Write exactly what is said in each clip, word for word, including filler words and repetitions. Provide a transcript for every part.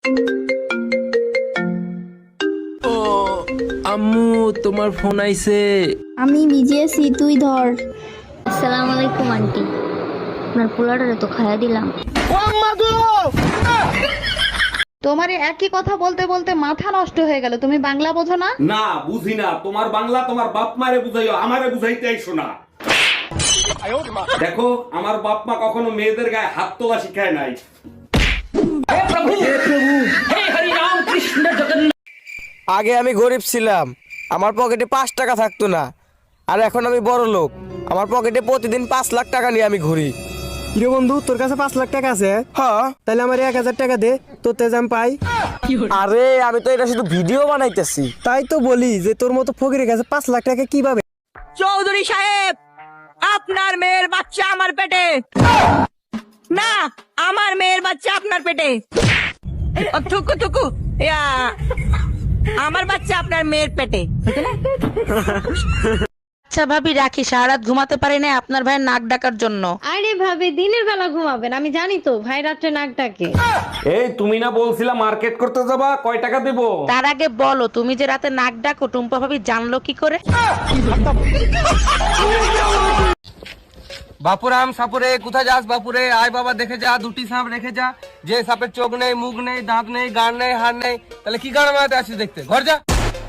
ও আম্মু, তোমার ফোন আইছে। আমি ভিজিয়েছি, তুই ধর। আসসালামু আলাইকুম আন্টি, আপনার পোলাটারে তো খাইয়া দিলাম। তোমার এই একই কথা বলতে বলতে মাথা নষ্ট হয়ে গেল, তুমি বাংলা বোঝো না? না বুঝি না, তোমার বাংলা তোমার বাপ মারে বুঝাইও, আমারে বুঝাইতে আইসো না। দেখো, আমার বাপ মা কখনো মেয়েদের গায়ে হাত তোলা শিখায় নাই। আগে আমি গরিব ছিলাম, আমার পকেটে পাঁচ টাকা থাকতো না, আর এখন আমি বড় লোক, আমার পকেটে প্রতিদিন পাঁচ লাখ টাকা নিয়ে আমি ঘুরি। কিরে বন্ধু, তোর কাছে পাঁচ লাখ টাকা আছে? হ্যাঁ। তাহলে আমার এক হাজার টাকা দে, তোর তেজ আমি পাই। আরে আমি তো এটা শুধু ভিডিও বানাইতেছি। তাই তো বলি যে তোর মতো ফকিরের কাছে পাঁচ লাখ টাকা কিভাবে? চৌধুরী সাহেব, আপনার মেয়ের বাচ্চা আমার পেটে না, আমার মেয়ের বাচ্চা আপনার পেটে। ও, থুকু থুকু, ইয়া, আমার বাচ্চা আপনার মেয়ের পেটে। আচ্ছা ভাবি রাখি, সারা রাত ঘুমাতে পারি না আপনার ভাইয়ের নাক ডাকার জন্য। আরে ভাবি, দিনের বেলা ঘুমাবেন, আমি জানি তো ভাই রাত্রে নাক ডাকে। এই তুমি না বলছিলা মার্কেট করতে যাবা, কয় টাকা দেবো? তার আগে বলো, তুমি যে রাতে নাক ডাকো টুম্পা ভাবি জানলো কি করে? বাপুরাম সাপুরে কোথায় যাস বাপুরে? আয় বাবা দেখে যা, দুটি সাপ রেখে যা। যে সাপের চোখ নেই, মুখ নেই, দাঁত নেই, গান নেই, হাড় নেই, তাহলে কি গান মারাতে আসিস দেখতে? ঘর যা।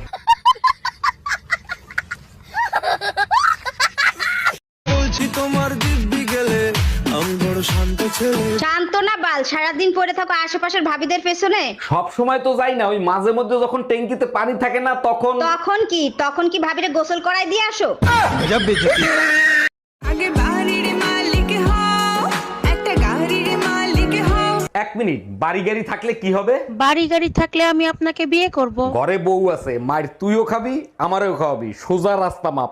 শান্ত না বাল, সারাদিন পড়ে থাকো আশেপাশের ভাবিদের পেছনে। সব সময় তো যাই না, ওই মাঝে মধ্যে যখন ট্যাঙ্কিতে পানি থাকে না তখন। তখন কি তখন কি ভাবিরে গোসল করাই দিয়ে আসো? আগে বাড়ির মালিক হও, একটা গাড়ির মালিক হও। এক মিনিট, বাড়ি গাড়ি থাকলে কি হবে? বাড়ি গাড়ি থাকলে আমি আপনাকে বিয়ে করব। ঘরে বউ আছে, মায়ের তুইও খাবি আমারও খাওয়াবি, সোজা রাস্তা মাপ।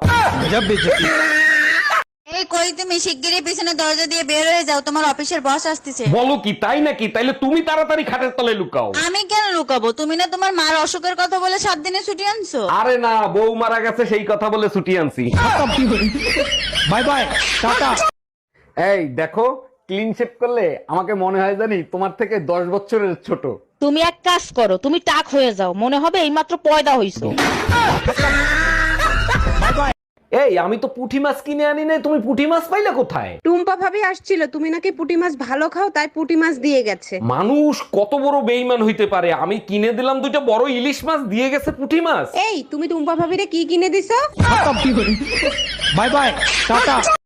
এই কই তুমি শিগগিরই পিছনে দরজা দিয়ে বের হয়ে যাও, তোমার অফিসের বস আসতেছে। বলো কি, তাই নাকি? তাইলে তুমি তাড়াতাড়ি খাটের তলে লুকাও। আমি কেন লুকাবো? তুমি না তোমার মার অসুখের কথা বলে সাত দিনে ছুটি আনছো। আরে না, বউ মারা গেছে সেই কথা বলে ছুটি আনছি। Bye bye, tata. এই দেখো, ক্লিন শেভ করলে আমাকে মনে হয় জানি তোমার থেকে দশ বছরের ছোট। তুমি এক কাজ করো, তুমি টাক হয়ে যাও, মনে হবে এইমাত্র পয়দা হইছো। এই আমি তো পুঁটি মাছ কিনে আনি নাই, তুমি পুঁটি মাছ পাইলে কোথায়? টুম্পা ভাবি আসছিল, তুমি নাকি পুঁটি মাছ ভালো খাও, তাই পুঁটি মাছ দিয়ে গেছে। মানুষ কত বড় বেইমান হইতে পারে, আমি কিনে দিলাম দুইটা বড় ইলিশ মাছ, দিয়ে গেছে পুঁটি মাছ। এই তুমি টুম্পা ভাবিরে কি কিনে দিছো? Bye bye, tata.